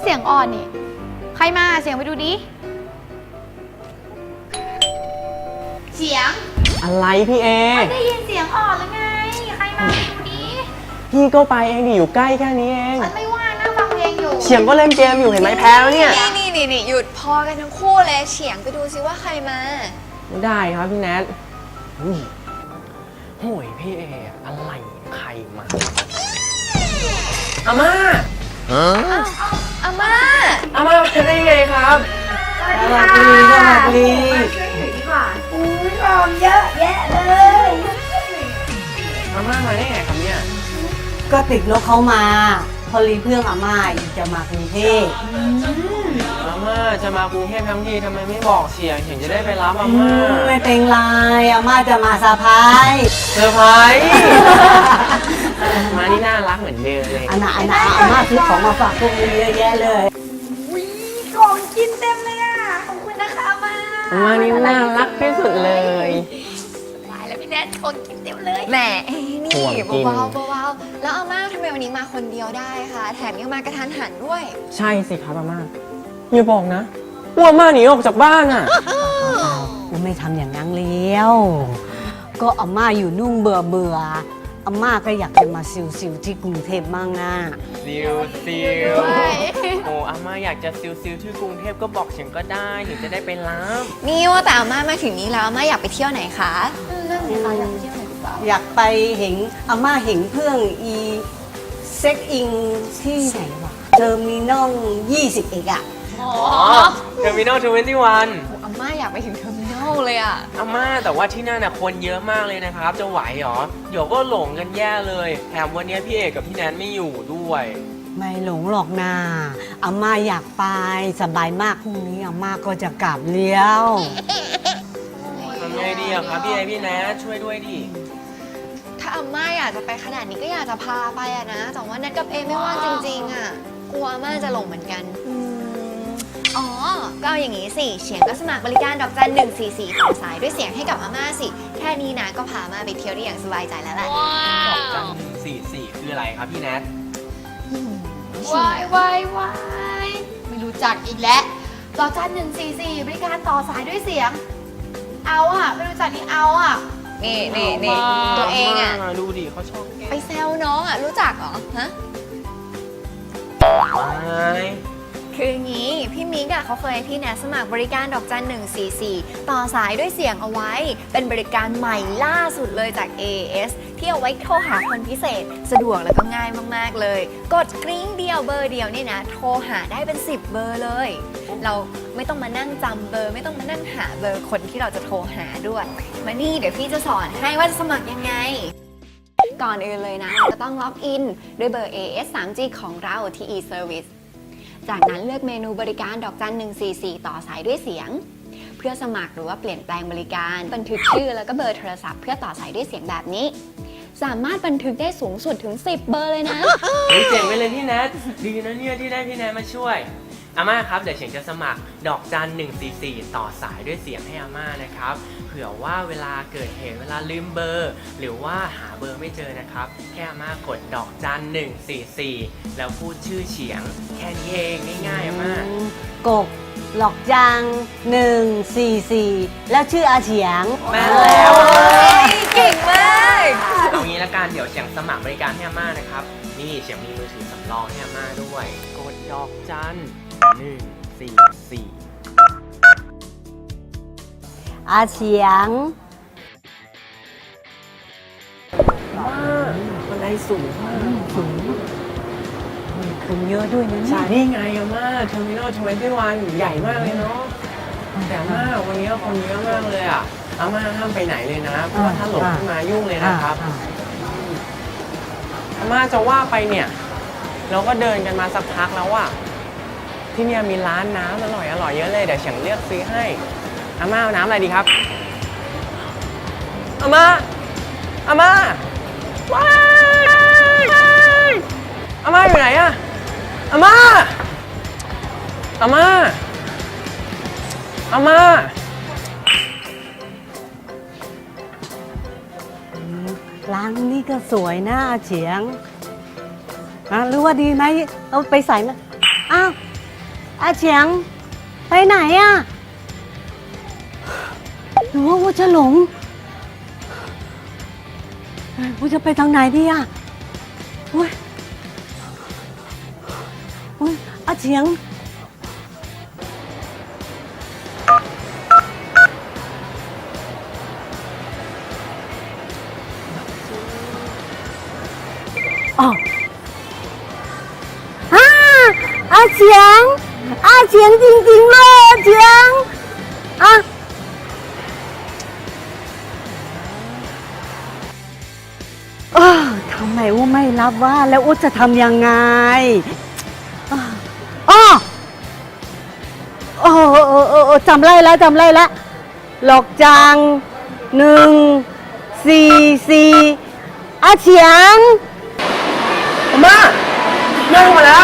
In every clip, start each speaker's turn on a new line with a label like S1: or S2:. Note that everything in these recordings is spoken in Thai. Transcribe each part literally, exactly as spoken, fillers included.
S1: เสียงอ่อนนี่ใครมาเสียงไปดูดิเสียง
S2: อะไรพี่เอ
S1: ไม่ได้ยินเสียงอ่อนหรือไงใครมาไปดูดิ
S2: พี่ก็ไปเองดิอยู่ใกล้แค่นี้เอง
S1: ฉันไม่ว่างนะฟังเพลงอยู่
S2: เฉียงก็เล่นเกมอยู่เห็นไหมแพ้แล้วเนี่ย
S3: นี่นี่นี่หยุดพอกันทั้งคู่เลยเฉียงไปดูซิว่าใครมา
S2: ไม่ได้ครับพี่แนทโอ้ยพี่เออะไรใครมาอาม่า
S3: อาม่า
S2: อาม่าเป็นได้ไงครับ
S1: สวัสดีสวัสดีช่วยถือดีกว่าอุ้ยของเยอะแยะเลย
S2: อาม่ามาได้ไงครับเนี่ย
S4: ก็ติดรถเขามาพอรีเพื่อนอาม่าจะมากรุงเทพ
S2: อาม่าจะมากรุงเทพทั้งทีทำไมไม่บอกเฉียงเฉียงจะได้ไปรับอาม่า
S4: ไม่เป็นไรอาม่าจะมาเซอร์ไพรส์
S2: เซอร์ไพรส์มานี่น่ารักเหมือนเดิมเลย
S4: อันน่ะอันน่ะอาม่าซื้อของมาฝากพวกนี้เยอะแยะเลย
S1: วิของกินเต็มเลยอ่ะขอบคุณนะคะอาม่า
S2: อาม่านี่น่ารักที่สุดเลย
S1: ตายแล้วพี่แนทของกินเต็มเลย
S3: แหมนี่เบาๆเบาๆแล้วอาม่าทำไมวันนี้มาคนเดียวได้คะแถมยังมากระทันหันด้วย
S2: ใช่สิครับอาม่าอย่าบอกนะว่าอาม่าหนีออกจากบ้านอ่ะ
S4: กูไม่ทำอย่างนั้นเลี้ยวก็อาม่าอยู่นุ่งเบื่อเบื่ออาม่าก็อยากจะมาซิวๆที่กรุงเทพมั่งนะ
S2: ซิวซิวโอ้อาม่าอยากจะซิวซิวที่กรุงเทพก็บอกเฉียงก็ได้ถึงจะได้ไปรับ
S3: นี่ว่าแต่อาม่ามาถึงนี้แล้วอาม่าอยากไปเที่ยวไหนคะ
S1: นั่นสิคะอยากไปเที่ยวไหนหรือเปล่า
S4: อยากไปเห็นอาม่าเห็นเพื่อนอีเซ็กอิงที่ไหนวะเทอร์มินอลยี่สิบเอ็ดอะ
S2: อ๋อเทอร์มินอลทเวนตี้วัน
S3: อาม่าอยากไปถึงเทอร์มินอลเลยอะ
S2: อาม่าแต่ว่าที่นั่นน่ะคนเยอะมากเลยนะครับจะไหวหรอเดี๋ยวก็หลงกันแย่เลยแถมวันนี้พี่เอกกับพี่แนนไม่อยู่ด้วย
S4: ไม่หลงหรอกนาอาม่าอยากไปสบายมากพรุ่งนี้อาม่าก็จะกลับเลี้ยว
S2: ทำไงดีอะครับพี่เอพี่แนนช่วยด้วยดิ
S3: ถ้าอาม่าอยากจะไปขนาดนี้ก็อยากจะพาไปอะนะแต่ว่าแนทกับเอไม่ว่างจริงๆอะกลัวอาม่าจะหลงเหมือนกันอ๋อก็เอาอย่างนี้สิเฉียงก็สมัครบริการดอกจันหนึ่งสี่สี่ต่อสายด้วยเสียงให้กับอาม่าสิแค่นี้นะก็พาอาม่าไปเที่ยวได้อย่างสบายใจแล้วแหละ
S2: ดอกจันหนึ่งสี่สี่คืออะไรครับพี่แนท
S1: วายวายวายไม่รู้จักอีกแล้วดอกจันหนึ่งสี่สี่บริการต่อสายด้วยเสียงเอาอะไม่รู้จักนี่เอาอะ
S3: นี่นี่นี่ตัวเองอะ
S2: ดูดิเขาชอบ
S3: ไปแซวน้องอะรู้จักเหรอฮะคืองี้พี่มิกอะเขาเคยให้พี่แนทสมัครบริการดอกจันหนึ่งสี่สี่ต่อสายด้วยเสียงเอาไว้เป็นบริการใหม่ล่าสุดเลยจาก เอ เอส ที่เอาไว้โทรหาคนพิเศษสะดวกแล้วก็ง่ายมากๆเลยกดกริ๊งเดียวเบอร์เดียวนี่นะโทรหาได้เป็นสิบเบอร์เลยเราไม่ต้องมานั่งจำเบอร์ไม่ต้องมานั่งหาเบอร์คนที่เราจะโทรหาด้วยมานี่เดี๋ยวพี่จะสอนให้ว่าจะสมัครยังไงก่อนอื่นเลยนะเราจะต้องล็อกอินด้วยเบอร์ เอ เอส ทรี จี ของเราที่ e-serviceจากนั้นเลือกเมนูบริการดอกจันหนึ่งสี่สี่ต่อสายด้วยเสียงเพื่อสมัครหรือว่าเปลี่ยนแปลงบริการบันทึกชื่อแล้วก็เบอร์โทรศัพท์เพื่อต่อสายด้วยเสียงแบบนี้สามารถบันทึกได้สูงสุดถึงสิบเบอร์เลยนะ
S2: เฮ้ยเจ๋งไปเลยพี่แนทดีนะเนี่ยที่ได้พี่แนทมาช่วยอาม่าครับเดี๋ยวเฉียงจะสมัครดอกจันหนึ่งสี่สี่ต่อสายด้วยเสียงให้อาม่านะครับเผื่อว่าเวลาเกิดเหตุเวลาลืมเบอร์หรือว่าหาเบอร์ไม่เจอนะครับแค่อาม่ากดดอกจันหนึ่งสี่สี่แล้วพูดชื่อเฉียงแค่นี้เองง่ายๆอาม่าก
S4: บหลอกจังหนึ่งสี่สี่แล้วชื่ออาเฉียง
S2: แม่แล้ว
S3: เก่งมาก
S2: เอางี้ละกันเดี๋ยวเฉียงสมัครบริการให้อาม่านะครับนี่เฉียงมีมือถือสำรองให้อาม่าด้วยกดดอกจันหนึ่งสี่สี่
S4: อาเฉียง
S2: ว้าบันไดสูงมาก
S4: สูงคนเยอะด้วยนะ
S2: ใช่นี่ไงอาม่าเทอร์มินอลทเวนตี้วันใหญ่มากเลยเนาะแต่อาม่าวันนี้คนเยอะมากเลยอ่ะอาม่าห้ามไปไหนเลยนะเพราะว่าถ้าหลงขึ้นมายุ่งเลยนะครับอาม่าจะว่าไปเนี่ยเราก็เดินกันมาสักพักแล้วอ่ะที่นี่มีร้านน้ำอร่อยอร่อยเยอะเลยเดี๋ยวเฉียงเลือกซื้อให้อาม่าเอาน้ำอะไรดีครับอาม่าอาม่าว้ายอาม่าอยู่ไหนอะอาม่าอาม่าอาม่า
S4: ร้านนี้ก็สวยนะอาเฉียงอ่ะหรือว่าดีไหมเอาไปใส่นะอ้าวอาเฉียง ไปไหนอะหรือว่าว่าจะหลงว่าจะไปทางไหนดีอะโอ้ยโอ้ยอาเฉียงอ๋อฮ่าอาเฉียงอาเฉียงจริงๆเลยอาเฉียงอ่ะเออทำไมว่าไม่รับว่าแล้วอุ๊จะทำยังไงอ้ออ้อโอ้โอ้โอ้โอ้จำไล่แล้วจำไล่แล้วหลอกจังหนึ่งสี่สี่อาเฉียง
S2: อาม่าแม่มาแล้ว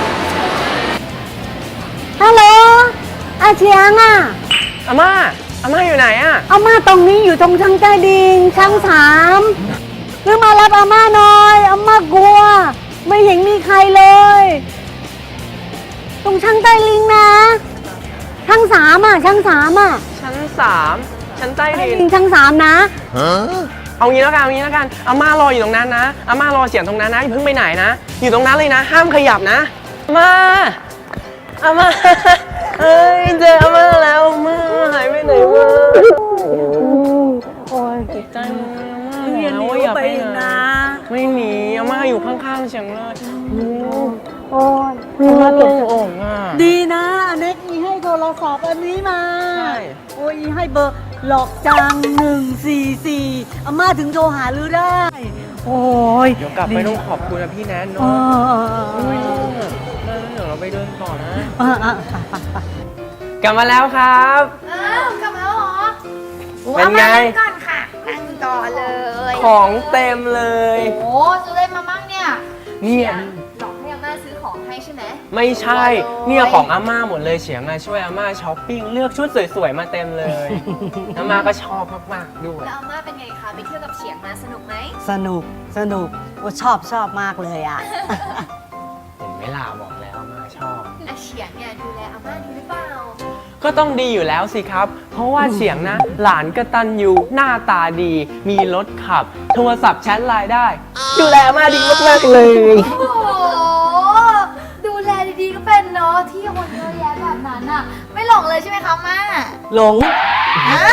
S4: ฮัลโหลอาเฉียงอ่ะ
S2: อาม่าอาม่าอยู่ไหนอะ
S4: อาม่าตรงนี้อยู่ตรงชั้นใต้ดินชั้นสามหรือมารับอาม่าหน่อยอาม่ากลัว ไม่เห็นมีใครเลย ตรงชั้นใต้ลิงนะชั้นสามอ่ะชั้นสามอ่ะ
S2: ชั้นสามชั้นใต้
S4: ใต้
S2: ดิน
S4: ลิงชั้นสามนะ
S2: เอางี้แล้วกันเอางี้แล้วกันอาม่ารออยู่ตรงนั้นนะอาม่ารอเสียงตรงนั้นนะอย่าเพิ่งไปไหนนะอยู่ตรงนั้นเลยนะห้ามขยับนะอาม่าอาม่าเอ้ยเจออาม่าแล้วอาม่าหายไปไหนวะ
S4: โอ้ย
S2: ติดใจอาม่า
S4: เรียน
S2: แล้ว
S4: รู้
S2: ว่าอย่า
S4: ไป
S2: ไป
S4: อีก
S2: ไหน
S4: นะ
S2: ไม่หนีอาม่าอยู่ข้างๆเฉียงเลย
S4: โอ้ย
S2: อาม่าโล่งอกอ่ะ
S4: ดีนะอเน็กมีให้โทรศัพท์อันนี้มา
S2: ใช่
S4: โอ้ยให้เบอร์หลอกจังหนึ่งสี่สี่อาม่าถึงโทรหาลือได้ โอ้ย
S2: เดี๋ยวกลับไปต้องขอบคุณนะพี่แนน
S4: เอ
S2: เนาะ
S4: อ
S2: ไม่ต้องอะมาแล้วเดี๋ยวเราไปเดินต่อนะ
S4: เออเออไปไปไป
S2: กลับมาแล้วครับ
S1: อ้าวกลับมาแล้วเหรอ
S2: เป็นไง
S1: อามานั่ก่อนค่ะนั่งต่อเลย
S2: ของเต็มเลย
S1: โอ้ซื้ออะไรมามั่งเนี่ย
S2: เนี่ย
S3: หลอกให้อาม่าซื้อของให้ใช่ไหม
S2: ไม่ใช่ เนี่ยของอาม่าหมดเลยเฉียงอะช่วยอาม่าช้อปปิ้งเลือกชุดสวยๆมาเต็มเลย อาม่าก็ชอบมากๆด้วย
S3: แล้วอาม่าเป็นไงคะ ไปเที่ยวกับเฉียงมาสนุกไหม
S4: สนุกสนุกโอ้ชอบชอบมากเลยอ่ะ
S2: เห็นไหมล่ะบอกแล้วอาม่าชอบ
S3: อาเฉียงเนี่ยดูแลอาม่าดีหรือเปล่า
S2: ก็ต้องดีอยู่แล้วสิครับ เพราะว่าเฉียงนะ หลานกตัญญูหน้าตาดี มีรถขับ โทรศัพท์แชทไลน์ได้ ดูแลอาม่าดีมากๆเลย
S1: โอ้โหดูแลดีๆก็เป็นเนาะที่คนเยอะแยะแบบนั้นอ่ะ ไม่หลงเลยใช่ไหมคะม่า
S4: หลง
S1: ฮะ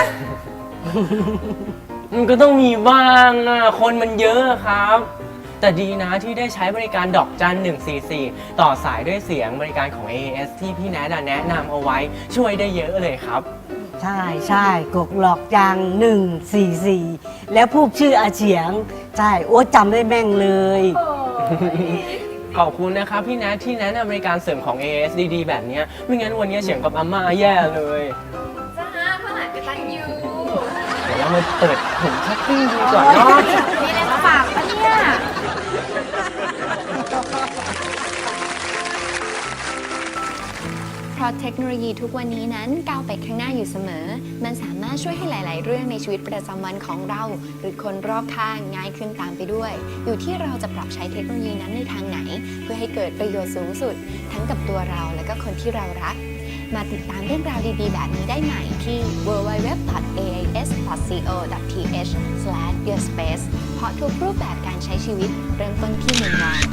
S2: มันก็ต้องมีบ้างอะคนมันเยอะครับ แต่ดีนะที่ได้ใช้บริการดอกจันหนึ่งสี่สี่ต่อสายด้วยเสียงบริการของ เอ เอส ที่พี่แนทอะแนะนำเอาไว้ช่วยได้เยอะเลยครับ
S4: ใช่ใช่กกหลอกจังหนึ่งสี่สี่แล้วพูดชื่ออาเฉียง ใช่โอ้จำได้แม่งเลย
S2: ขอบคุณนะครับพี่แนทที่แนะนำบริการเสริมของ เอ เอส ดีๆ แบบเนี้ยไม่งั้นวันนี้เฉียงกับอาม่าแย่เลย
S3: จ้าพ่อหลานกตันยู
S2: เดี๋ยวเรามาเปิดถุงช้อปปิ้งดูก่อนเนาะ
S1: มีอะไรมาฝากปะเนี่ย
S3: เพราะเทคโนโลยีทุกวันนี้นั้นก้าวไปข้างหน้าอยู่เสมอ มันสามารถช่วยให้หลาย ๆ เรื่องในชีวิตประจำวันของเรา หรือคนรอบข้างง่ายขึ้นตามไปด้วย อยู่ที่เราจะปรับใช้เทคโนโลยีนั้นในทางไหน เพื่อให้เกิดประโยชน์สูงสุด ทั้งกับตัวเราและก็คนที่เรารัก มาติดตามเรื่องราวดี ๆ แบบนี้ได้ใหม่ที่ ดับเบิลยู ดับเบิลยู ดับเบิลยู ดอท เอ ไอ เอส ดอท ซี โอ ดอท ที เอช สแลช ยูอร์ สเปซ เพราะทุกรูปแบบการใช้ชีวิตเริ่มต้นที่หนึ่งวัน